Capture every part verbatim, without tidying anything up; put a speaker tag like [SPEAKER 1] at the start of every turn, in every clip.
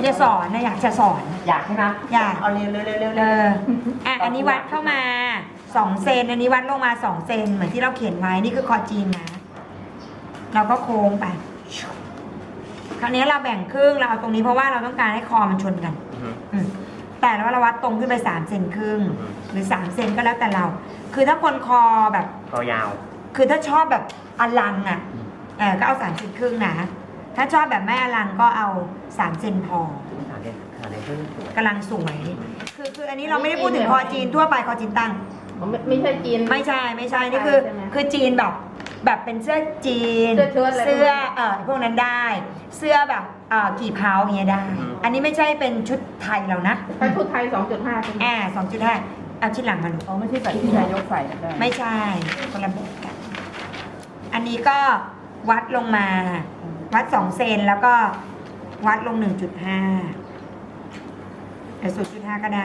[SPEAKER 1] จะสอนนะอยากจะสอน
[SPEAKER 2] อยากใช่ไหม
[SPEAKER 1] อยาก
[SPEAKER 2] เอาเร็วเร็วเร็วเร็ว
[SPEAKER 1] เอออ่ะอันนี้วัดเข้ามาสองเซนอันนี้วัดลงมาสองเซนเหมือนที่เราเขียนไว้นี่คือคอจีนนะเราก็โค้งไปคราวนี้เราแบ่งครึ่งเราเอาตรงนี้เพราะว่าเราต้องการให้คอมันชนกันอืมแต่เราเราวัดตรงขึ้นไปสามเซนครึ่งหรือสามเซนก็แล้วแต่เรา คือถ้าคนคอแบบ
[SPEAKER 2] คอยาว
[SPEAKER 1] คือถ้าชอบแบบอลังอ่ะเออก็เอาสามเซนครึ่งนะถ้าชอบแบบไม่อลังก็เอาสามเซนพอ
[SPEAKER 2] ขาเด่นขาเด่นขึ้นสวย
[SPEAKER 1] กำลังสวย คือคืออันนี้เราไม่ได้พูดถึงคอจีนทั่วไปคอจีนตั้ง
[SPEAKER 3] ไม่ไม่ใช่จีน
[SPEAKER 1] ไม่ใช่ไม่ใช่นี่คือ
[SPEAKER 3] ใช่ไหม
[SPEAKER 1] คือจีนแบบแบบเป็นเสื้อจีน
[SPEAKER 3] เสื้อเชิ้ตอะไร
[SPEAKER 1] เสื้อเอ่อพวกนั้นได้ เสื้อแบบเอ่อกี่เผาอย่างเงี้ยได้ อันนี้ไม่ใช่เป็นชุดไทยเรานะ
[SPEAKER 3] ถ้าชุดไทย สองจุดห้า ใช่ไหม
[SPEAKER 1] แอบสองจุดห้าเอาชิ้นหลังมาดู
[SPEAKER 3] อ๋อไม่ใช่แบบที่นายกใส่ได้
[SPEAKER 1] ไม่ใช่คนละแบบกัน อันนี้ก็วัดลงมา วัดสองเซนแล้วก็วัดลงหนึ่งจุดห้าแต่ศูนย์จุดห้าก็ได้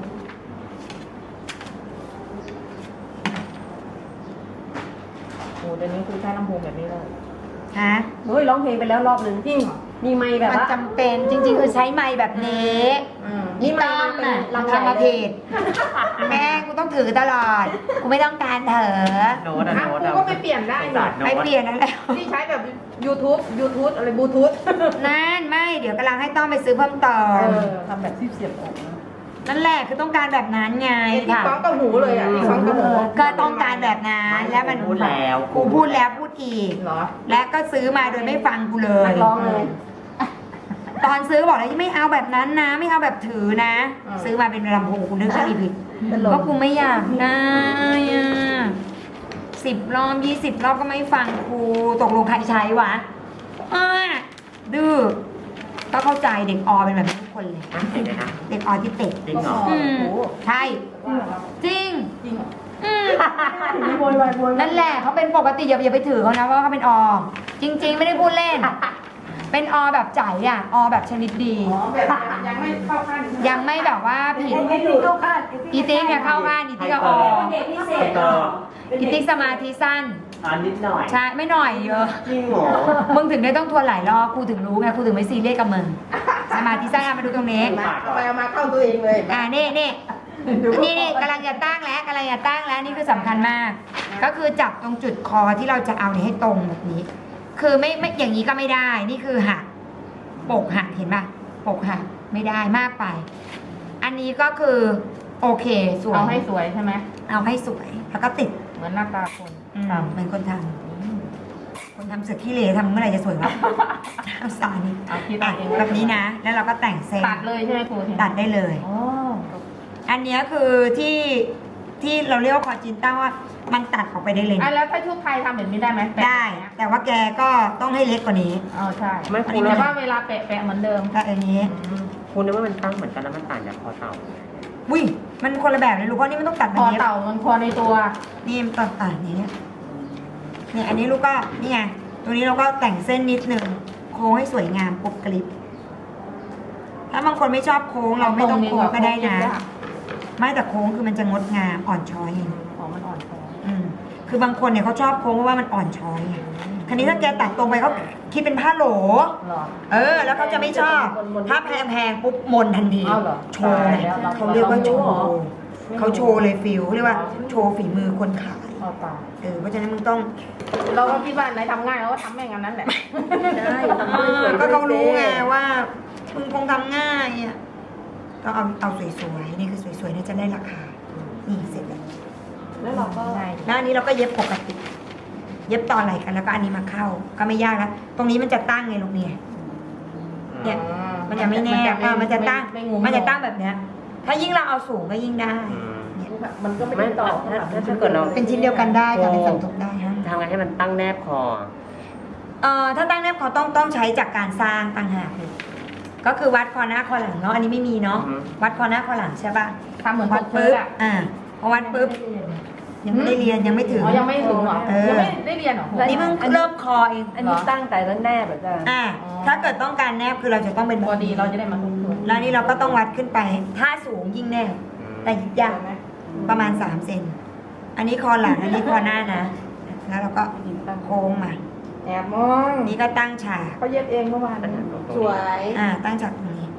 [SPEAKER 3] โอ้เดี๋ยวนี้คือใช้ลำโพงแบบนี้เลย
[SPEAKER 1] ฮะ
[SPEAKER 3] เฮ้ยร้องเพลงไปแล้วรอบหนึ่งจริงเหรอมีไมค์แบบ
[SPEAKER 1] มัน
[SPEAKER 3] ว่า
[SPEAKER 1] จำเป็นจริงๆ คือใช้ไม้แบบนี้
[SPEAKER 3] อืม
[SPEAKER 1] นี่
[SPEAKER 3] ไม
[SPEAKER 1] ต้อ
[SPEAKER 3] ค์
[SPEAKER 1] ง
[SPEAKER 3] มันเป็น
[SPEAKER 1] อ่ะ
[SPEAKER 3] ลำ
[SPEAKER 1] ทำมา
[SPEAKER 3] ใหญ่
[SPEAKER 1] ผิดแม่กูต้องถือตลอด กูไม่ต้องการเถอะ
[SPEAKER 2] โน้ตอะ
[SPEAKER 3] อ่ะ
[SPEAKER 2] โน้ต
[SPEAKER 3] กูก็ไปเปลี่ยนได้
[SPEAKER 2] ศา
[SPEAKER 3] นี่
[SPEAKER 2] สตร์โน้
[SPEAKER 1] ไม่
[SPEAKER 2] ต
[SPEAKER 1] เปลี่ยนนั่นแล้ว
[SPEAKER 3] ที่ใช้แบบ YouTube YouTube อะไรบลูทูธ
[SPEAKER 1] นั่นไม่เดี๋ยวกำลังให้ต้องไปซื้อเพิ่มเติ
[SPEAKER 3] เอ
[SPEAKER 1] ม
[SPEAKER 3] อทำแบบที่เสียบออกนะ
[SPEAKER 1] นั่นแหละคือต้องการแบบนั้นไง
[SPEAKER 3] ไอ้ที่
[SPEAKER 1] ค่ะ
[SPEAKER 3] ฟ้องกับหูเลยอ่ะที่ฟ้องกับหู
[SPEAKER 1] ก็ต้องการแบบนั้นแล้วมัน
[SPEAKER 2] พูดแล้ว
[SPEAKER 1] กูพูดแล้วพูดอีก
[SPEAKER 3] เหรอ
[SPEAKER 1] และก็ซื้อมาโดยไม่ฟังกูเลย
[SPEAKER 3] นักร้องเลย
[SPEAKER 1] ตอนซื้อบอกเลยไม่เอาแบบนั้นนะ ไม่เอาแบบถือนะ
[SPEAKER 3] อ่า
[SPEAKER 1] ซื้อมาเป็นลำโพงกูนึกว่าอีผิด
[SPEAKER 3] เป็นลม
[SPEAKER 1] ก็กูไม่อยากได้อะสิบรอบยี่สิบรอบก็ไม่ฟังครูตกลงใครใช้วะอ้าดื้อก็เข้าใจเด็กอเป็นแบบนี้ทุกคนเลย
[SPEAKER 2] อ่ะเห็นไหมนะ
[SPEAKER 1] เด็กอทิสติก
[SPEAKER 2] จริงเหรอ
[SPEAKER 1] อืม
[SPEAKER 3] โอ้โห
[SPEAKER 1] ใช่จริง
[SPEAKER 3] จริงเหรอ
[SPEAKER 1] อืม
[SPEAKER 3] โวยวายโวยวาย
[SPEAKER 1] นั่นแหละเขาเป็นปกติอย่าอย่าไปถือเขานะว่าเขาเป็นอ จริง ๆ ไม่ได้พูดเล่น เป็นอแบบใจอ่ะอแบบชนิดดี
[SPEAKER 3] อ๋อแบบยังไม่เข้าขั้น
[SPEAKER 1] ยังไม่แบบว่าผิด
[SPEAKER 3] เข้าขั้น
[SPEAKER 1] อีติ๊กเนี่ยเข้าข้างอีติ๊กก็อ
[SPEAKER 2] เด็กพิเศษเหรอ
[SPEAKER 1] อีติ๊กสมาธิสั้น
[SPEAKER 2] อ่านิดหน่อย
[SPEAKER 1] ใช่ไม่หน่อยเยอะ
[SPEAKER 2] จริงเหรอ
[SPEAKER 1] มึงถึงได้ต้องทวนหลายรอบกูถึงรู้ไงกูถึงไม่ซีเรียสกับมึงสมาธิสั้นอ่ะมาดูตรงนี้
[SPEAKER 3] มาเอาไปเอามาเข้าตัวเองเลย
[SPEAKER 1] อ่านี่นี่นี่นี่กำลังจะตั้งแล้วกำลังจะตั้งแล้วนี่คือสำคัญมาก ก็คือจับตรงจุดคอที่เราจะเอาเนี่ยให้ตรงแบบนี้ คือไม่ไม่อย่างนี้ก็ไม่ได้ นี่คือหักปกหักเห็นป่ะปกหักไม่ได้มากไป อันนี้ก็คือโอเคสวย
[SPEAKER 3] เอาให้สวยใช่ไหม
[SPEAKER 1] เอาให้สวยแล้วก็ติด
[SPEAKER 3] เหมือนหน้าตาคน
[SPEAKER 1] อืมเหมือนคนทำคนทำเสือขี้เหร่ทำเมื่อไหร่จะสวยวะเอาสานี่
[SPEAKER 3] เอาคิด
[SPEAKER 1] อ่ะ
[SPEAKER 3] เอาเอง
[SPEAKER 1] แบบนี้นะ แล้วเราก็แต่งเส้น
[SPEAKER 3] ตัดเลยใช่ไหมครู
[SPEAKER 1] ตัดได้เลย
[SPEAKER 3] อ๋อ
[SPEAKER 1] อันเนี้ยคือที่ที่เราเรียกว่าคอจินต้าว่ามันตัดออกไปได้เลย
[SPEAKER 3] อ่ะ
[SPEAKER 1] นะ
[SPEAKER 3] แล้วถ้าชุดไทยทำแบบนี้ได้ไหมแปะ
[SPEAKER 1] ได้ แต่ว่าแกก็ต้องให้เล็กกว่านี้
[SPEAKER 3] อ๋อใช่
[SPEAKER 2] ไม่ครู
[SPEAKER 3] แต่
[SPEAKER 2] แล้ว
[SPEAKER 3] ว่าเวลาแปะแปะเหมือนเดิม
[SPEAKER 1] ก็อันนี้
[SPEAKER 2] ครูนึกว่ามันตั้งเหมือนกันแล้วมันต่างจากคอเต่า
[SPEAKER 1] อุ้ยมันคนละแบบเลยลูกเพราะนี่มันต้องตัด
[SPEAKER 3] ค
[SPEAKER 1] แบบ
[SPEAKER 3] อ
[SPEAKER 1] นี้
[SPEAKER 3] เต่ามันคอในตัว
[SPEAKER 1] นี่มันตัดตัดอย่างเนี้ยเนี่ยอันนี้ลูกก็นี่ไงตัวนี้เราก็แต่งเส้นนิดนึงโค้งให้สวยงามปกกลิบถ้าบางคนไม่ชอบโค้งเราไม่ต้องโค้งก็ได้นะ ไม่แต่โค้งคือมันจะงดงามอ่อนช้อยไง
[SPEAKER 3] ของมันอ่อนคอ
[SPEAKER 1] อืมคือบางคนเนี่ยเขาชอบโค้งเพราะว่ามันอ่อนช้อยไงคราวนี้ถ้าแกตัดตรงไปเขาคิดเป็นผ้าโหล
[SPEAKER 3] หรอ
[SPEAKER 1] เออ แล้วเขาจะไม่ชอบ ถ้าแพงๆปุ๊บมนทันที
[SPEAKER 3] เอาเหรอ
[SPEAKER 1] โชว์ไง
[SPEAKER 3] ตายแล้ว
[SPEAKER 1] เขาเรียกว่าโช
[SPEAKER 3] เรา
[SPEAKER 1] ว์
[SPEAKER 3] ไม่รู้
[SPEAKER 1] เขาโชว์เลยฟิลเขาเรียกว่าโชว์ฝีมือคนขาย
[SPEAKER 3] คอเต่า
[SPEAKER 1] เออเพราะฉะนั้นมึงต้อง
[SPEAKER 3] เราก็คิดว่าไหนทำง่ายเราก็ทำแม่งอันนั้นแหละ
[SPEAKER 2] ได้ทำ
[SPEAKER 1] เอ
[SPEAKER 2] ให้ส
[SPEAKER 1] อ
[SPEAKER 2] วย
[SPEAKER 1] ก็เขารู้ไงว่ามึงคงทำง่ายอ่ะต้องเอาเอาสวยๆนี่คือสวยๆเนี่ยจะได้ราคานี่เสร็จแล้ว
[SPEAKER 3] แล้วเราก็
[SPEAKER 1] แล้วอันนี้เราก็เย็บปกติ เย็บต่อไหลกันแล้วก็อันนี้มาเข้า ก็ไม่ยากแล้วตรงนี้มันจะตั้งไงลูกเนี่ย เนี่ย มันจะไม่แนบอ่ะมันจะตั้ง มันจะตั้งแบบเนี้ย ถ้ายิ่งเราเอาสูงก็ยิ่งได้
[SPEAKER 2] อืม
[SPEAKER 1] เนี่ย
[SPEAKER 3] มันก็ไม่
[SPEAKER 2] ไม่
[SPEAKER 3] ได้
[SPEAKER 2] ต่
[SPEAKER 3] ต่
[SPEAKER 2] อ
[SPEAKER 3] อ
[SPEAKER 2] ถ้าถ้าถ้าเกิดเรา
[SPEAKER 1] เป็นชิ้นเดียวกันได้ค่ะเป็นสัมทบได้ฮะ
[SPEAKER 2] ทำไงให้มันตั้งแนบคอ
[SPEAKER 1] เอ่อถ้าตั้งแนบเขาต้องต้องใช้จากการสร้างต่างหากเลยก็คือวัดคอหน้าคอหลังเนาะอันนี้ไม่มีเนาะ
[SPEAKER 2] อือฮึ
[SPEAKER 1] วัดคอหน้าคอหลังใช่ป่ะ
[SPEAKER 3] ทำเหมือน
[SPEAKER 1] วัด
[SPEAKER 3] ปก
[SPEAKER 1] ปุ๊
[SPEAKER 3] เสื้
[SPEAKER 1] บ
[SPEAKER 3] อ
[SPEAKER 1] อ่าพอวัดปุ๊บยังไม่ได้เรียนยังไม่ถึง
[SPEAKER 3] อ๋อยังไม่ถึงเหรอ
[SPEAKER 1] เออ
[SPEAKER 3] ยังไม่ได้เรียนเหรอ
[SPEAKER 1] นี่เพิ่งเริ่มคอเอง
[SPEAKER 3] อันนี้ตั้งแต่แล้วแนบแบบจะ
[SPEAKER 1] อ่าถ้าเกิดต้องการแนบคือเราจะต้องเป็น
[SPEAKER 3] พอดีเราจะได้มาทุกส่วน
[SPEAKER 1] แล้วนี่เราก็ต้องวัดขึ้นไป ถ้าสูงยิ่งแนบแต่ยากประมาณสามเซนอันนี้คอหลังอันนี้คอหน้านะ แล้วเราก็โค้งมา
[SPEAKER 3] แอบมอง
[SPEAKER 1] นี่ก็ตั้งฉาก
[SPEAKER 3] เขาเย็บเองเมื่อวาน
[SPEAKER 2] ตั้ง
[SPEAKER 3] สวย
[SPEAKER 1] อ่าตั้งฉากตรงนี้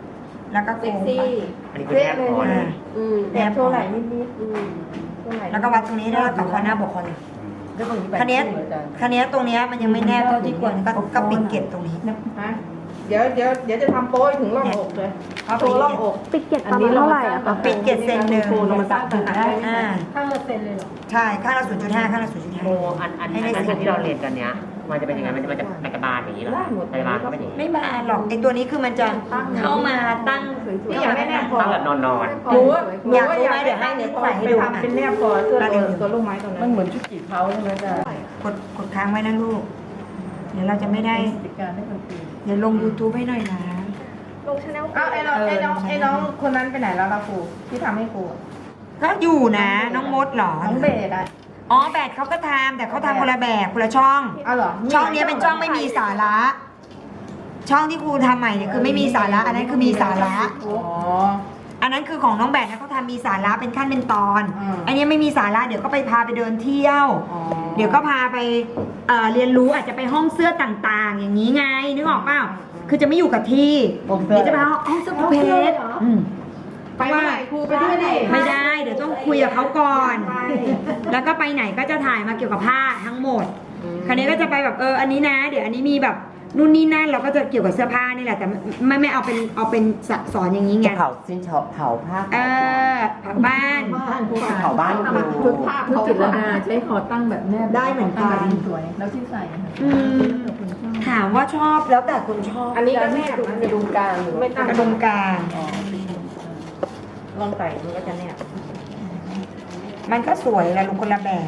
[SPEAKER 1] แล้วก็โค้
[SPEAKER 3] เซ็ก
[SPEAKER 1] งไป
[SPEAKER 3] ซี่
[SPEAKER 2] อันนี้คือแนบคอเลย
[SPEAKER 3] อืมแอบโชว์ไหล่นิดนิดอืมโชว์ไห
[SPEAKER 1] แล้วก็วัดตรงนี้ด้วยกับคอหน้าบกคอเลย
[SPEAKER 3] แล้วตรงนี้
[SPEAKER 1] คันนี้คันนี้ตรงเนี้ยมันยังไม่แนบเท่าที่ควรก็ก็ปิดเกล็ดตรงนี้
[SPEAKER 3] ฮะเดี๋ยวเดี๋ยวเดี๋ยวจะทำโป้ยถึงร่องอกเลย
[SPEAKER 1] เอา
[SPEAKER 3] โช
[SPEAKER 1] ไป
[SPEAKER 3] ว์ร่องอก
[SPEAKER 4] ปิดเก็ตประมาณเท่าไหร่อะคะ
[SPEAKER 1] ปิดเกล็ดเซนหนึ่ง
[SPEAKER 3] เรามาสร้างตึกได้
[SPEAKER 1] อ่า
[SPEAKER 3] ข้างละเซนเลยเหรอ
[SPEAKER 1] ใช่ข้างละศูนย์จุดห้าข้างละศูนย์จุดห้า
[SPEAKER 2] โมอันอันอันอันที่เราเรียนกันเนี้ยมันจะเป็นยังไงมันจะมันจะมันจะบานอย่างนี้เหรอมันจะบานเข้าไปอย่างนี้
[SPEAKER 1] ไม่บานหรอกไอตัวนี้คือมันจะเข้ามาตั้ง
[SPEAKER 3] นี่อยากได้แนบคอ
[SPEAKER 2] ตั้งแบบนอนนอน
[SPEAKER 3] หนูว่า
[SPEAKER 1] อยากรู้ไหมเดี๋ยวให้เน็ตใส่ให้ดู
[SPEAKER 3] ไปทำเป็นแนบคอเสื้อตัวตัวลูกไม้ตัวนั้น
[SPEAKER 5] มันเหมือนชุดจีบเขาใช่ไหมจ๊ะ
[SPEAKER 1] กดกดค้างไว้นะลูก เดี๋ยวเราจะไม่ได้
[SPEAKER 5] ติดการให้คนตี
[SPEAKER 1] เดี๋ยวลง YouTube ให้หน่อยนะ
[SPEAKER 4] ลงชาแนล
[SPEAKER 3] อ้าวไอ้น้องไอ้น้องไอ้น้องคนนั้นไปไหนแล้วล่ะครูที่ทำให้ครู
[SPEAKER 1] ก็อยู่นะน้องมดเหรอ
[SPEAKER 3] น้องเบสอะ
[SPEAKER 1] อ๋อแบดเขาก็ทำแต่เขาทำคนละแบบคนละช่อง
[SPEAKER 3] อ้าวเหรอ
[SPEAKER 1] ช่องนี้เป็นช่องไม่มีสาระ ช่องที่ครูทำใหม่เนี่ยคือไม่มีสาระ อันนั้นคือมีสาระ
[SPEAKER 3] อ๋อ
[SPEAKER 1] อันนั้นคือของน้องแบดนะเขาทำมีสาระเป็นขั้นเป็นตอน
[SPEAKER 3] อืม
[SPEAKER 1] อันนี้ไม่มีสาระเดี๋ยวก็ไปพาไปเดินเที่ยว
[SPEAKER 3] อ๋อ
[SPEAKER 1] เดี๋ยวก็พาไปเอ่อเรียนรู้อาจจะไปห้องเสื้อต่างๆ อย่างนี้ไงนึกออกเปล่าคือจะไม่อยู่กับที่เดี๋ยวจะไปห้องห้องเสื้อประเภทอืม
[SPEAKER 3] ไปเมื่อไหร่ครูไปด้วยดิ
[SPEAKER 1] ไม่ได้ เดี๋ยวต้องคุยกับเขาก่อน แล้วก็ไปไหนก็จะถ่ายมาเกี่ยวกับผ้าทั้งหมด คราวนี้ก็จะไปแบบเอออันนี้นะ เดี๋ยวอันนี้มีแบบนู่นนี่นั่นเราก็จะเกี่ยวกับเสื้อผ้านี่แหละแต่ไม่ไม่เอาเป็นเอาเป็นสอนอย่างนี้ไง
[SPEAKER 2] เผาสิ้นเผาเผาผ้า
[SPEAKER 1] เออผักบ้าน
[SPEAKER 2] เผาบ้านครู
[SPEAKER 3] ชุดผ้า
[SPEAKER 5] ชุด
[SPEAKER 3] เขา
[SPEAKER 5] จิตรดาใช้คอตั้งแบบแนบ
[SPEAKER 1] ได้เหมือนกัน
[SPEAKER 5] สวยแล้วที่ใส่ค่ะ
[SPEAKER 1] อืมถามว่าชอบแล้วแต่คนชอบ
[SPEAKER 3] อันนี้ก็แนบ
[SPEAKER 5] กระดุมกลางหรือ
[SPEAKER 3] ไม่ตั้ง
[SPEAKER 1] กระดุมกลาง
[SPEAKER 3] ลองใส่มันก็จะแนบ
[SPEAKER 1] มันก็สวยแหละลุงคนละแบบ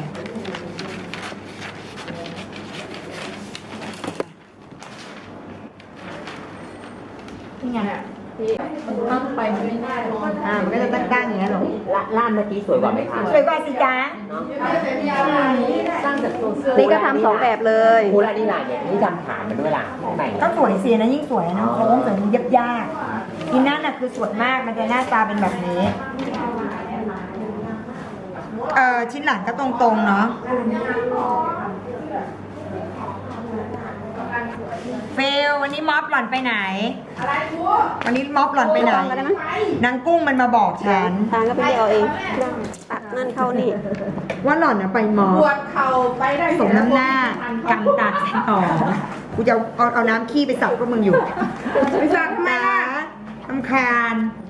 [SPEAKER 1] นี่ไง
[SPEAKER 3] ที่มันตั้งไปมันไม่ได้นอน
[SPEAKER 1] อ่ามันก็จะตั้งๆอย่างนี้ยหรอ
[SPEAKER 2] ล่ามเมื่อกี้สวยกว่าไหมคะ
[SPEAKER 1] สวยกว่าสิจ๊ะ
[SPEAKER 3] สร้างจากตัวเสื้อ
[SPEAKER 4] นี่ก็ทำสองแบบเลย
[SPEAKER 2] ครูละนี่ลายเนี่ยนี่จำฐานมันด้วยล่ะข้างใน
[SPEAKER 1] ก็สวยสินะยิ่งสวยนะโค้งสวยมันยับยากอีนั่นน่ะคือสวยมากมันจะหน้าตาเป็นแบบนี้เออชิ้นหลังก็ตรงๆเนาะเฟลวันนี้ม็อบหล่อนไปไหนวันนี้ม็อบหล่อนไปไหนนางกุ้งมันมาบอกฉัน
[SPEAKER 4] ทางก็ไปเดียวเองตัดนั่นเข้านี่
[SPEAKER 1] ว่าหล่อนน่ะไปม็อบ
[SPEAKER 3] ปวดเข่าไปได้
[SPEAKER 1] สมน้ำหน้ากำตัดต่อกูจะเอาเอาเอาน้ำขี้ไปสับพวกมึงอยู่
[SPEAKER 3] ไปสั่งทำไมล่ะ
[SPEAKER 1] ตำคาญ